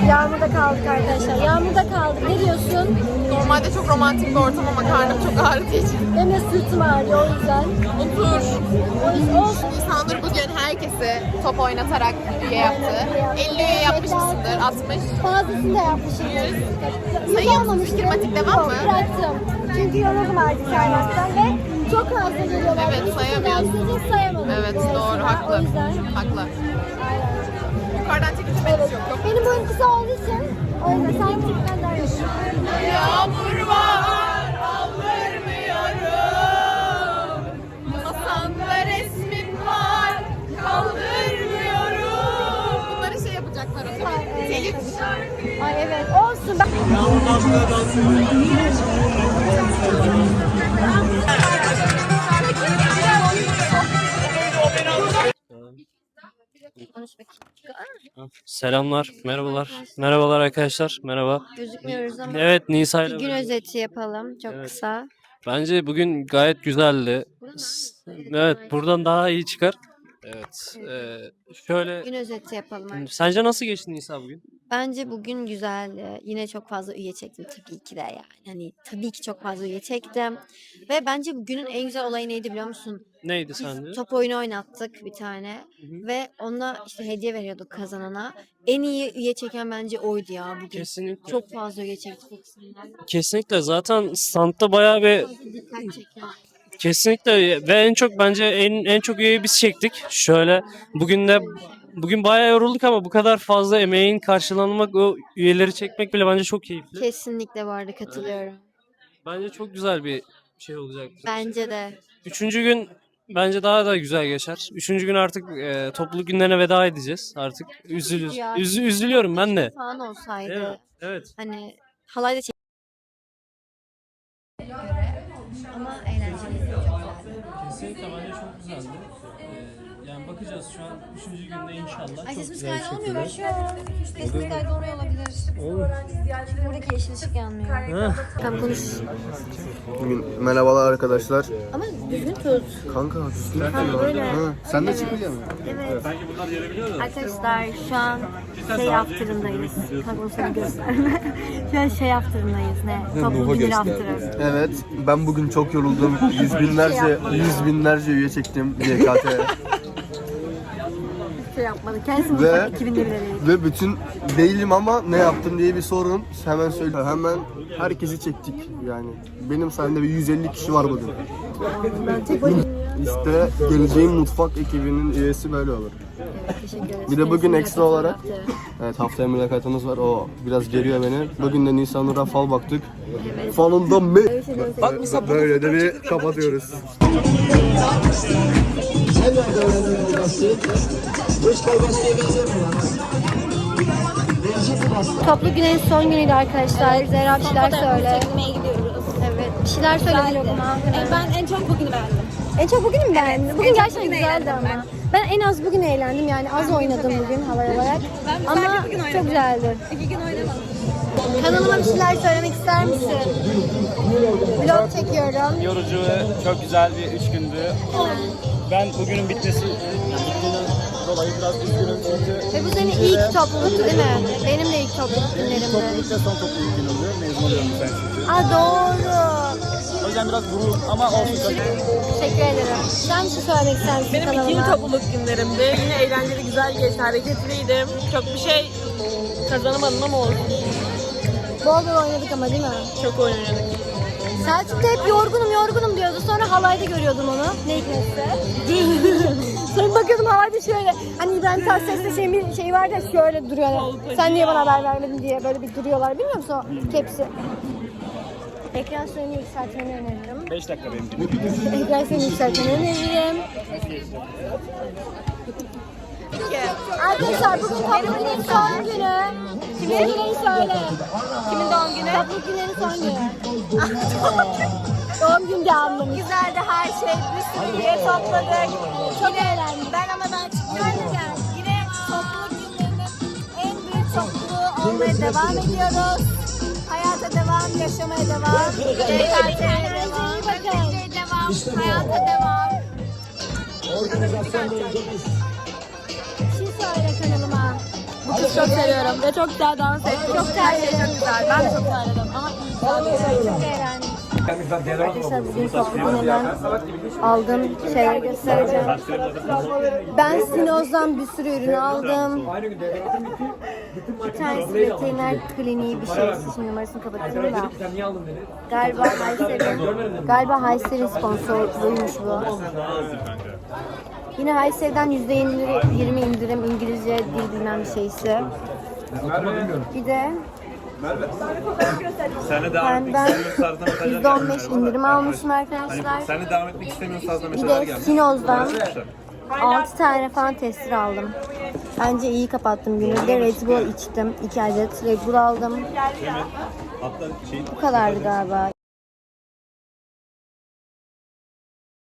Yağmurda kaldık arkadaşlar. Yağmurda kaldık. Ne diyorsun? Normalde çok romantik bir ortam ama karnım çok ağrıdığı için. Benim de sırtım ağrıyor o yüzden. Otur. O yüzden olsun. İnsanlar bugün herkesi top oynatarak üye yaptı. 50 üye yapmış mısındır? 60. Fazlasını da yapmışım. Sayıyor musun? Fikirmatik devam mı? Bıraktım. Çünkü yoruldum artık saymaktan ve çok fazla geliyorlar. Evet, Hiç sayamıyorsun. sayamadım. Evet, doğru, haklı. O yüzden. Haklı. Aynen. Yukarıdan çekince Evet. yok. Benim boyum kısa olduğu için o yüzden sen küçükten daha iyi. Yağmur var, aldırmıyorum. Masamda resmin var, kaldırmıyorum. Bunları şey yapacaklar o zaman. Telif. Ay evet olsun. Ben... Selamlar, merhabalar. Merhabalar arkadaşlar, merhaba. Gözükmüyoruz ama Evet, Nisa bir ile gün özeti yapalım. Çok Evet. kısa. bence bugün gayet güzeldi. Evet, buradan daha iyi çıkar. Evet, şöyle... Gün özeti yapalım artık. Sence nasıl geçti Nisa bugün? Bence bugün güzeldi. Yine çok fazla üye çektim tabii ki de yani. Hani tabii ki çok fazla üye çektim. Ve bence bugünün en güzel olayı neydi biliyor musun? Neydi sence? Top oyunu oynattık bir tane. Ve ona işte hediye veriyorduk kazanana. En iyi üye çeken bence oydu ya bugün. Kesinlikle. Çok fazla üye çektik. Kesinlikle. Zaten standta bayağı bir... Dikkat çekiyor. Kesinlikle ve en çok bence en çok üyeyi biz çektik. Şöyle bugün bayağı yorulduk ama bu kadar fazla emeğin karşılanmak, o üyeleri çekmek bile bence çok keyifli. Kesinlikle vardı, katılıyorum. Bence çok güzel bir şey olacaktır. Bence de. Üçüncü gün bence daha da güzel geçer. Üçüncü gün artık topluluk günlerine veda edeceğiz. Artık Ya. üzülüyorum ben de. Falan olsaydı. Evet. Evet. Hani halay da çek. Ama eğlenceliydi. Çok güzeldi. Kesinlikle bence çok güzeldi. Yani bakacağız şu an 3. günde inşallah. Ay çok sesimiz güzel bir kaydı olmuyor. şekilde. Ben şu an sesimiz kaydı oraya olabilir. Olur. Buradaki yeşil ışık yanmıyor. Ha. Tamam konuş. Merhabalar arkadaşlar. Ama düzgün tut. Kanka Böyle. sen de çıkacaksın. Evet. Arkadaşlar şu an şey after'ındayız. Kanka onu sana gösterme. Şu an şey after'ındayız. Ne? Toplu günü after'ı. Evet, ben bugün çok yoruldum. Yüz binlerce üye çektim YKT'ye. Şey yapmadı. Kendisi Ve- mutfak 2000'de bile değil. Ve bütün değilim ama ne yaptım diye bir sorun. Hemen söyle. Hemen herkesi çektik yani. Benim sayemde bir 150 kişi var bugün. Ben tek başına. İşte geleceğin mutfak ekibinin üyesi böyle olur. Teşekkür ederiz. Bir de bugün Kendisi ekstra olarak after'ı. evet, haftaya mülakatımız var. O biraz geriyor beni. Bugün de Nisan Nur'a fal baktık. Falında mı? Böyle de bir kapatıyoruz. Toplu günün son günüydü arkadaşlar. Zehra bir şeyler söyle. gidiyoruz. Evet. Bir şeyler söyle vloguma. Ben en çok bugünü beğendim. En çok bugün mü beğendin? Bugün gerçekten güzeldi ama. Ben en az bugün eğlendim yani az oynadım bugün halay olarak. Ama çok güzeldi. 2 gün oynamadım. Kanalıma bir şeyler söylemek ister misin? Vlog çekiyorum. Yorucu ve çok güzel bir 3 gündü. Ben bugünün bitmesinden dolayı biraz üzgünüm çünkü Ve bu senin ilk topluluktu değil mi? Benim de ilk topluluk günlerimdi. topluluk ve son topluluk günümdü. Mezun oluyorum ben çünkü. Aa doğru. O yüzden biraz gurur ama olsun. Teşekkür ederim. Sen bir şey söylemek ister misin Benim kanalıma? ikinci topluluk günlerimdi. Yine eğlenceli, güzel geçti, hareketliydim. Çok bir şey kazanamadım ama oldu. Bol bol oynadık ama değil mi? Çok oynadık. Selçuk da hep yorgunum diyordu. Sonra halayda görüyordum onu. Ne hikmetse. Sonra bakıyordum halayda şöyle. Hani İbrahim Tatlıses'te şey vardı ya şöyle duruyor. Sen niye bana haber vermedin diye böyle bir duruyorlar. Bilmiyor musun o tepsi? Ekran süreni yükseltmeni öneririm. 5 dakika benim için. Ekran süreni yükseltmeni öneririm. Arkadaşlar bugün topluluğun son günü. Kimin günü söyle. Kimin doğum günü? Topluluk günlerin son günü. Doğum günü devamlı. Güzeldi her şey. Bir sürü üye topladık. Çok eğlendim. Ben çıkıyorum. Yine topluluk günlerinin en büyük topluluğu olmaya devam ediyoruz. Hayata devam, yaşamaya devam. Kendinize iyi bakın. Devam, hayata devam. Bir şey söyle kanalıma. Bu kız çok seviyorum ve çok güzel dans ettim. Çok terledim. Çok güzel. Ben de çok terledim ama iyi. Çok eğlendim. Arkadaşlar bugün topluluğun hemen aldığım şeyleri göstereceğim. Ben Sinoz'dan bir sürü ürün aldım. Bir tanesi veteriner kliniği bir şey. Şimdi numarasını kapatayım da. Galiba Hayser'in sponsorluğuymuş bu. Yine Hayser'den %20 indirim İngilizce dil bilmem bir şeysi. Bir de ben %15 indirim almışım arkadaşlar. Sen de devam etmek istemiyorsun fazla Bir meseleler de gelmiş. Sinoz'dan 6 tane falan tester aldım. Bence iyi kapattım günü. Bir de Red Bull içtim. 2 adet Red Bull aldım. Bu kadardı galiba.